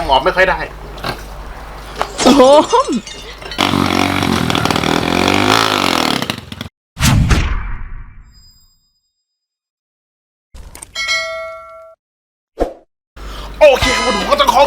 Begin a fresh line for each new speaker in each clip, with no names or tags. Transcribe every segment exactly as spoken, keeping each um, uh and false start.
หมอบไม่ค่อยได้
โอ้โห
โอเควันนี้ก็ต้องข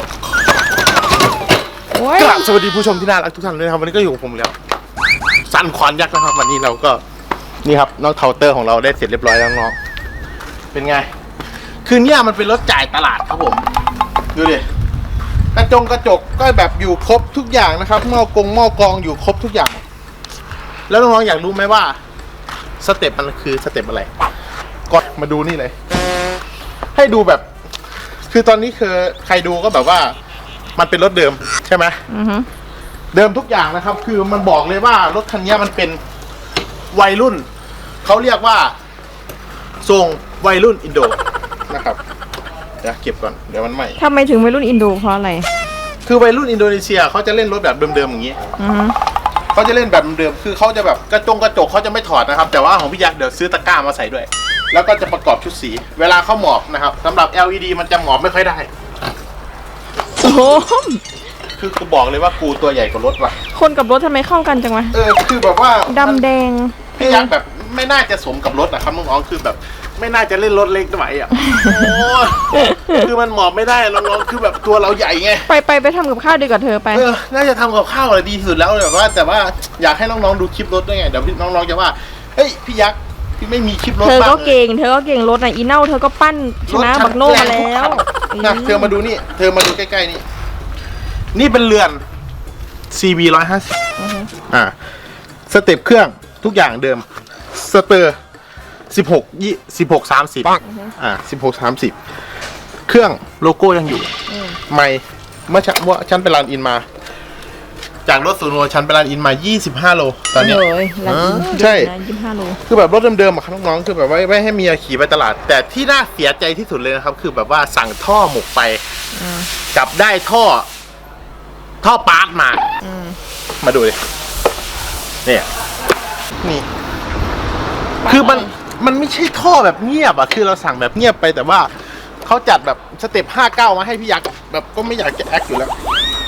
อกราบสวัสดีผู้ชมที่น่ารักทุกท่านเลยนะครับวันนี้ก็อยู่กับผมแล้วสันขวานยักษ์นะครับวันนี้เราก็นี่ครับน้องเคาน์เตอร์ของเราได้เสร็จเรียบร้อยแล้วน้องเป็นไงคือเนี่ยมันเป็นรถจ่ายตลาดครับผมดูดิกระจงกระจกก็แบบอยู่ครบทุกอย่างนะครับหม้อกงหม้อกองอยู่ครบทุกอย่างแล้วน้องๆอยากรู้ไหมว่าสเต็ปมันคือสเต็ปอะไรก็มาดูนี่เลยให้ดูแบบคือตอนนี้คือใครดูก็แบบว่ามันเป็นรถเดิมใช่ไหมเดิมทุกอย่างนะครับคือมันบอกเลยว่ารถคันนี้มันเป็นวัยรุ่นเขาเรียกว่าทรงวัยรุ่นอินโดนะครับเดี๋ยวเก็บก่อนเดี๋ยวมันใหม่
ทำไมถึงวัยรุ่นอินโดเพราะอะไร
คือวัยรุ่นอินโดนีเซียเขาจะเล่นรถแบบเดิมๆอย่างนี้เขาจะเล่นแบบเดิมคือเขาจะแบบกระจงกระจกเขาจะไม่ถอดนะครับแต่ว่าของพี่ยักษ์เดี๋ยวซื้อตะกร้ามาใส่ด้วยแล้วก็จะประกอบชุดสีเวลาเขาหมอบนะครับสำหรับ แอล อี ดี มันจะหมอบไม่ค่อยได้
โอ้โห
คือกูบอกเลยว่ากูตัวใหญ่กว่ารถว่ะ
คนกับรถทำไมเข้ากันจังวะ
เออคือแบบว่า
ดำแดง
พี่ยักษ์แบบไม่น่าจะสมกับรถนะครับน้องๆคือแบบไม่น่าจะเล่นรถเล็กไหวอ่ะโอ้คือมันหมอบไม่ได้น้องๆคือแบบตัวเราใหญ่ไง
ไปไปไปทำกับข้าวดีกว่าเธอไป
เออน่าจะทำกับข้าวอะไรดีสุดแล้วแบบว่าแต่ว่าอยากให้น้องๆดูคลิปรถด้วยไงเดี๋ยวน้องๆจะว่าเฮ้ยพี่ยักษ์พี่ไม่มีคลิปรถ
เธอก็เก่งเธอก็เก่งรถน่ะอีเน่าเธอก็ปั้นชนะบักโน่มาแล้ว
นะเธอมาดูนี่เธอมาดูใกล้ๆนี่นี่เป็นเรือน ซี บี หนึ่งร้อยห้าสิบอ่าสเต็ปเครื่องทุกอย่างเดิมสเตอร์สิบหกยี่สิบหกสามสิบอ่าสิบหกสามสิบเครื่องโลโก้ยังอยู่ไม่เมื่อเมื่อฉันไปรันอินมาจากรถศูนย์โลฉันไปรันอินมายี่สิบห้าโลตอนนี้ใช่ยี่สิบห้าโลคือแบบรถเดิมๆอะครับน้องๆคือแบบว่าไม่ให้เมียขี่ไปตลาดแต่ที่น่าเสียใจที่สุดเลยนะครับคือแบบว่าสั่งท่อหมกไปจับได้ท่อท่อปาร์ตมามาดูดิเนี่ยนี่คือมันมันไม่ใช่ท่อแบบเงียบอ่ะคือเราสั่งแบบเงียบไปแต่ว่าเขาจัดแบบสเต็ปห้าเก้ามาให้พี่ยักษ์แบบก็ไม่อยากจะแอคอยู่แล้ว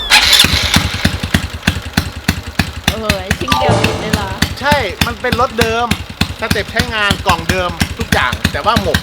เออชิ้นเดียวติดเลยล่ะ
ใช่มันเป็นรถเดิมสเต็ปใช้งานกล่องเดิมทุกอย่างแต่ว่าหมก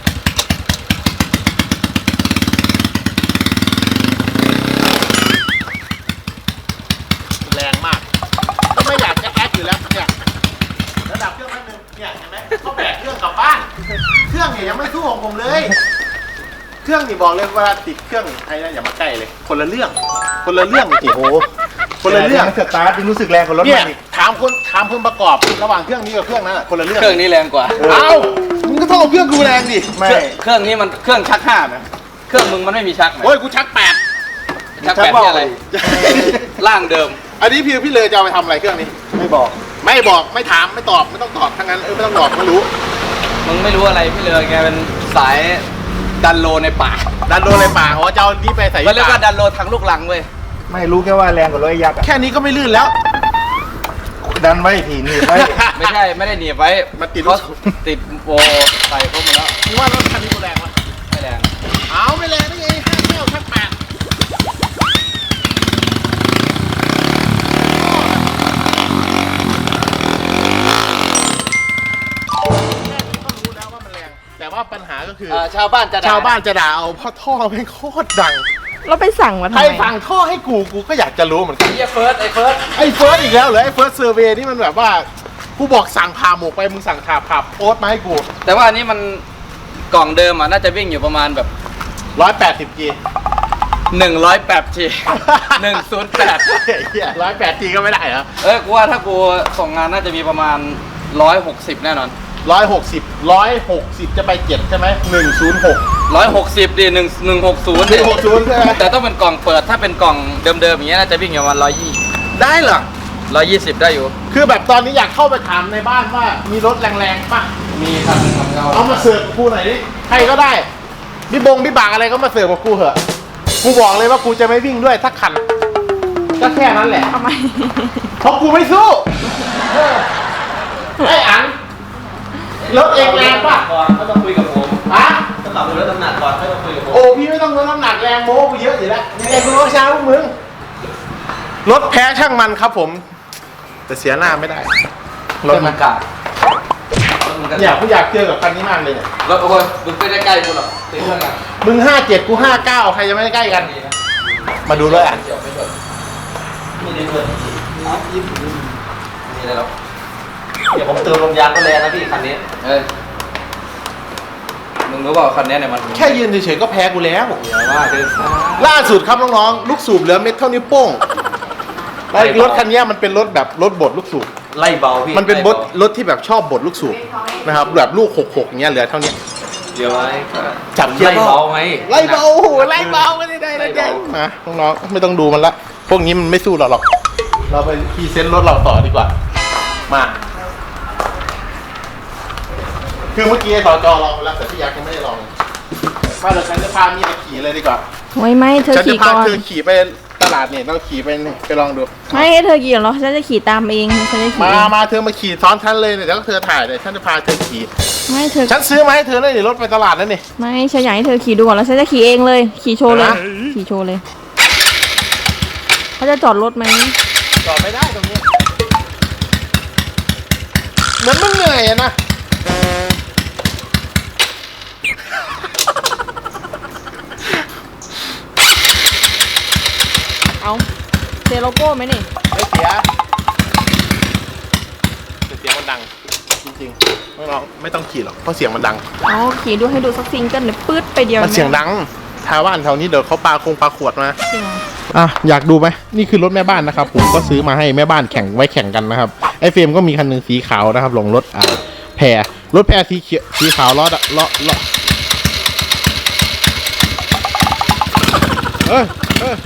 แรงมากก็ไม่อยากจะแอคอยู่แล้วเนี่ยระดับเครื่องนิดนึงเนี่ยเห็นไหมเขาแบกเครื่องกลับบ้านเครื่องเนี่ยยังไม่สู้ของผมเลยเครื่องนี่บอกเลยเวลาติดเครื่องไอ้นั่นอย่ามาใกล้เลยคนละเรื่องคนละเรื่องจริงโอ้คนละเรื่อง
สตาร์ทรู้สึกแรงกว่ารถ
เนี่ยถามคนถามเพิ่มประกอบระหว่างเครื่องนี้กับเครื่องนั้นคนละเรื่อง
เครื่องนี้แรงกว่า
เอ้ามึงก็ต้องเอาเครื่องกูแรงดิ
ไม่เครื่องนี้มันเครื่องชักห้าไหมเครื่องมึงมันไม่มีชัก
โอ้ยกูชักแปด
ชักแปดนี่อะไรล่างเดิม
อันนี้พี่พี่เลยจะเอาไปทำอะไรเครื่องนี้
ไม่บอก
ไม่บอกไม่ถามไม่ตอบไม่ต้องตอบทั้งนั้นเออไม่ต้องตอบไม่รู้
มึงไม่รู้อะไรพี่เลยแกเป็นสายดันโลในป่า
ดันโลในป่าอ๋อจะเอานี้ไปใส่
ก็เรียกว่าดันโลทางลูกหลังเว้ย
ไม่รู้แค่ว่าแรงกว่ารถยักษ์
แค่นี้ก็ไม่ลื่นแล้ว
ดันไว้ทีนี่ไว้
ไม่ใช่ไม่ได้หนีบไว้
มันติด
ติดโบใส่เข้ามาแล้ว
มึงว่ารถคันนี้กูแรงไหม
ไม่แรง
เอาไม่แรงได้ไงห้าเก้าชักแปดแต่ว่าปัญหาก็คือ
ชาวบ้านจะ
ชาวบ้านจะด่าเอาเพราะท่อแม่งโคตรดัง
เราไปสั่งมาทำไม
ใครสั่งท่อให้กูกูก็อยากจะรู้เหมือนกัน
ไอ้เฟิร์สไอ้เฟิร์ส
ไอ้เฟิร์สอีกแล้วเหรอไอ้เฟิร์สเซอร์เวย์นี่มันแบบว่ากูบอกสั่งผ่าหมกไปมึงสั่งผ่าผ่าโอ๊ตมาให้กู
แต่ว่าอันนี้มันกล่องเดิมอ่ะน่าจะวิ่งอยู่ประมาณแบบ
ร้อยแปดสิบจี
หนึ่งร้อยแปดจีหนึ่งศูนย์แปด
ร้อยแปดจีก็ไม่ได้เหรอ
เออกูว่าถ้ากูส่งงานน่าจะมีประมาณร้อยหกสิบแน่นอน
ร้อยหกสิบร้อยหกสิบจะไปเจ็ดใช่ไหมหนึ่งศูนย์หก
ร้อยหกสิบดิหนึ่งหนึ่งหกศูนย์
หนึ่งหกศูนย์ใช่ไหม
แต่ต้องเป็นกล่องเปิดถ้าเป็นกล่องเดิมๆอย่างเงี้ยน่าจะวิ่งอยู่ประมาณร้อยยี่
ได้เหรอ
ร้อยยี่สิบได้อยู่
คือแบบตอนนี้อยากเข้าไปถามในบ้านว่ามีรถแรงๆป่ะ
มีครับ
เอามาเสิร์ฟกูหน่อยดิใครก็ได้พี่บงพี่บากอะไรก็มาเสิร์ฟกับกูเหอะกูบอกเลยว่ากูจะไม่วิ่งด้วยสักคันก็แค่นั้นแหละ
ทำไม
เพราะกูไม่สู้ไอ้อันรถเองแรงป่ะ
ก็ต้องคุยกับผม
ฮะ
ขับรถน้ำหนักก่อนให้มาคุยกับผม
โอ้พี่ไม่ต้องลดน้ำหนักแรงโม้กูเยอะอยู่แล้วยังไงกูก็ช้าพวกมึงรถแพ้ช่างมันครับผม แต่เสียหน้าไม่ได้
รถมันกาดรถมันกาด
อยากกูอยากเจอกับคันนี้มากเลยเนี่ย
รถโอ้ยมึงไม่ได้ใกล้กูหรอกตีเพื่อนกัน
มึงห้าเจ็ดกูห้าเก้าใครจะไม่ได้ใกล้กัน มาดูเลยอ่ะ
เดี๋ยวไม่เปิดไม่ได้เปิดนี่อะไรหรอกเดี๋ยวผมเติมลมยางก็แรงนะพี่คันนี้เออมึงรู้เปล่าคันนี้เนี่ยมัน
แค่ยืนเฉยๆก็แพ้กูแล้ว
เดี๋ยวว่าเดินซ้าย
ล่าสุดครับน้องๆลูกสูบเหลือเม็ดเท่านิ้วโป้งแล้วรถคันนี้มันเป็นรถแบบรถบดลูกสูบ
ไล่เบาพี่
มันเป็น
ไล่
ร
บา
ถรถที่แบบชอบบดลูกสูบนะครับแบบลูกหกหกอย่างเงี้ยเหลือเท่านี้
เดี๋ยวไว้
จับเกียร์
ไล่เบาไหม
ไล่เบาโอ้โหไล่เบาไม่ได้ได้
ไล่
ได้
เบา
มาน้องๆไม่ต้องดูมันละพวกนี้มันไม่สู้เราหรอก เราไปพรีเซนต์รถเราต่อดีกว่ามาคือเมื่อกี้ไอ้สจลองไปแล้วแต่พี่ยักษ์ยังไม่ได้ลองมาเดี๋ยวฉันจะพามีมาขี่เลยดีกว่า
ไว้ไหมเธอ
ฉันจะ
ขี่
พา
ก่อน
เธอขี่ไปตลาดเนี่ยต้องขี่ไปนี่ไปลองดู
ไม่ให้เธอขี่หรอกฉันจะขี่ตามเองฉันจะขี่
มา
เอง
มาเธอมาขี่ซ้อนฉันเลยเนี่ยเดี๋ยวเธอถ่ายเลยฉันจะพาเธอขี่
ไม่เธอ
ฉันซื้อมาให้เธอเลยเดี๋ยวรถไปตลาดนั่นนี่
ไม่ฉันอยากให้เธอขี่ดูก่อนแล้วฉันจะขี่เองเลย ขี่โชว์เลย
ฮะ
ขี่โชว์เลยเขาจะจอดรถไหม
จอดไม่ได้ตรงนี้เหมือนมันเหนื่อยอะนะ
เอาเซโลโก้ไหมนี่
ไม่เสียแต่เสียงมันดังจริงๆไม่ลองไม่ต้องขี่หรอกเพราะเสียงมันดัง
เอาขี่ดูให้ดูสักซิงเกิลเนี่ยปื๊ดไปเดียว
มันเสียงดังชาวบ้านแถวนี้เดี๋ยวเขาปาคงปาขวดมา
จริงเหรอ
อ่ะอยากดูไหมนี่คือรถแม่บ้านนะครับผมก็ซื้อมาให้แม่บ้านแข่งไว้แข่งกันนะครับไอเฟรมก็มีคันหนึ่งสีขาวนะครับลงรถอ่าแพรรถแพรสีเขียวสีขาวล้อล้อล้อเอ้ยเอ้ย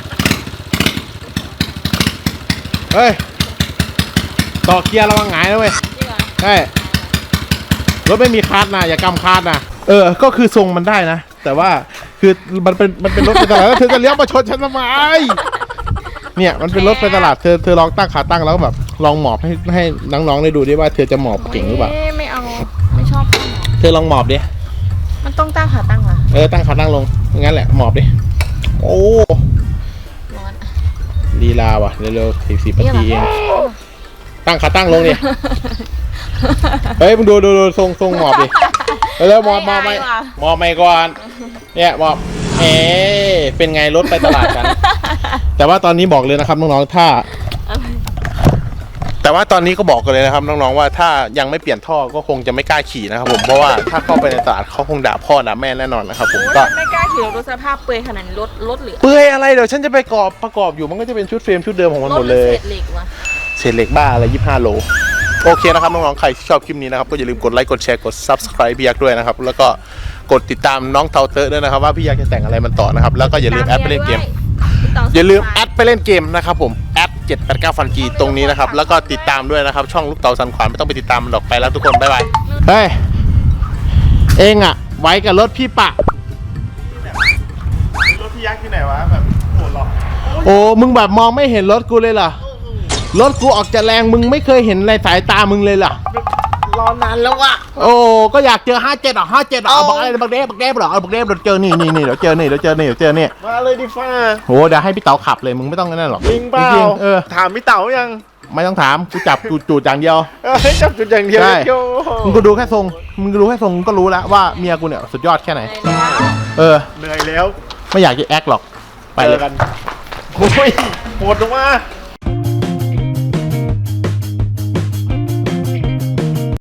เฮ้ยต่อเกียร์ระวังหงายนะเว้ย
จริงเหรอ
ใช่รถไม่มีคาร์ดนะอย่ากำคาร์ดนะเออก็คือทรงมันได้นะ แต่ว่าคือมันเป็นมันเป็นรถไปตลาดแล้วเธอจะเลี้ยวมาชนฉันทำไมเนี่ยมันเป็นรถไปตลาดเธอเธอลองตั้งขาตั้งแล้วแบบลองหมอบให้ให้น้องๆได้ดูดิว่าเธอจะหมอบเก่งหรือเปล่า
โยไม่เอาไม่ชอบ
เธอลองหมอบดิ
มันต้องตั้งขาตั้งเหรอ
เออตั้งขาตั้งลงงั้นแหละหมอบดิโอ้
ร้อน
ลีลาว่ะเร็วๆสี่สิบนาทีเองตั้งขาตั้งลงดิเฮ้ยมึงดูดูดูทรงทรงหมอบดิเร็วๆหมอบหมอบไปหมอบไปก่อนเนี่ยหมอบเอ๊ะเป็นไงรถไปตลาดกัน แต่ว่าตอนนี้บอกเลยนะครับน้องๆถ้า แต่ว่าตอนนี้ก็บอกกันเลยนะครับน้องๆว่าถ้ายังไม่เปลี่ยนท่อก็คงจะไม่กล้าขี่นะครับผมเพราะว่าถ้าเข้าไปในตลาดเขาคงด่าพ่อด่าแม่แน่นอนนะครับผม
โอ้ย
ก็
ไม่กล้าขี่รถสภาพเปื่อยขนาดนี้รถรถเหลือ
เปื่อยอะไรเดี๋ยวฉันจะไปประกอบประกอบอยู่มันก็จะเป็นชุดเฟรมชุดเดิมของมัน
ร
หม
ถ
ด
หรื
เล
อย เศษเหล็กวะ
เศษเหล็กบ้าอะไรยี่สิบห้าโลโอเคนะครับน้องๆใครที่ชอบคลิปนี้นะครับก็อย่าลืมกดไลค์กดแชร์กด ซับสไครบ์ พี่ยักษ์ด้วยนะครับแล้วก็กดติดตามน้องเทาเตอร์ด้วยนะครับว่าพี่ยักษ์จะแต่งอะไรมันต่อนะครับแล้วก็อย่าลืมแอดไปเล่นเกมอย่าลืมแอดไปเล่นเกมนะครับผมแอดเจ็ดแปดเก้าฟันจีตรงนี้นะครับแล้วก็ติดตามด้วยนะครับช่องลูกเต๋าสันขวานไม่ต้องไปติดตามมันหรอกไปแล้วทุกคนบ๊ายบายเฮ้ยเองอะไว้กับรถพี่ปะรถพี่ยักษ์ที่ไหนวะแบบโหดหรอโอ้มึงแบบมองไม่เห็นรถกูเลยเหรอรถกูออกจะแรงมึงไม่เคยเห็นในสายตามึงเลยเหรอรอนานแล้ววะโอ้ก็อยากเจอห้าเจ็ดอ่ะห้าเจ็ดอ่ะเอาบักอะไรบักเด้บักเด้หรอเอาบักเด้เดี๋ยวเจอนี่นี่นี่เดี๋ยวเจอนี่เดี๋ยวเจอนี่เดี๋ยวเจอนี่มาเลยดิฟ้าโหเดี๋ยวให้พี่เต๋าขับเลยมึงไม่ต้องนั่นหรอกจริงเปล่าเออถามพี่เต๋ายังไม่ต้องถามกูจับจูดจูดอย่างเดียวจับจูดอย่างเดียวใช่มึงก็ดูแค่ทรงมึงก็ดูแค่ทรงก็รู้แล้วว่าเมียกูเนี่ยสุดยอดแค่ไหนเออเหนื่อยแล้วไม่อยากจะแอคหรอกไปเลยกันโอ้ยโหดลงมา